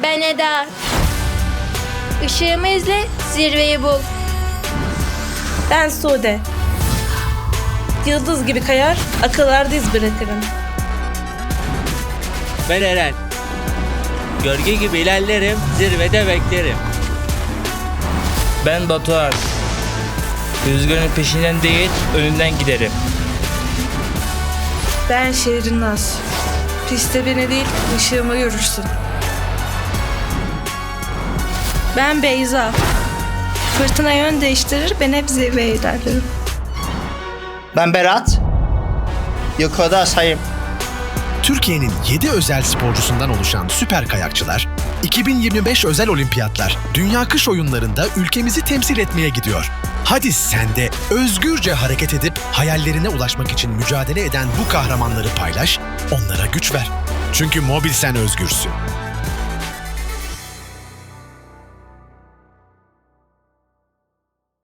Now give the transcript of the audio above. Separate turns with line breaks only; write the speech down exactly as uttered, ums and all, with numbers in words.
Ben Eda. Işığımı izle, zirveyi bul.
Ben Sude. Yıldız gibi kayar, akıllarda iz bırakırım.
Ben Eren. Gölge gibi ilerlerim, zirvede beklerim.
Ben Batuhan. Rüzgarın peşinden değil, önünden giderim.
Ben Şehrinaz. Piste beni değil, ışığımı görürsün. Ben Beyza. Fırtına yön değiştirir, ben hep zirveye ilerlerim.
Ben Berat. Yukarıda sayım.
Türkiye'nin yedi özel sporcusundan oluşan süper kayakçılar, iki bin yirmi beş özel olimpiyatlar, Dünya Kış Oyunları'nda ülkemizi temsil etmeye gidiyor. Hadi sen de özgürce hareket edip hayallerine ulaşmak için mücadele eden bu kahramanları paylaş, onlara güç ver. Çünkü Mobilsen özgürsün.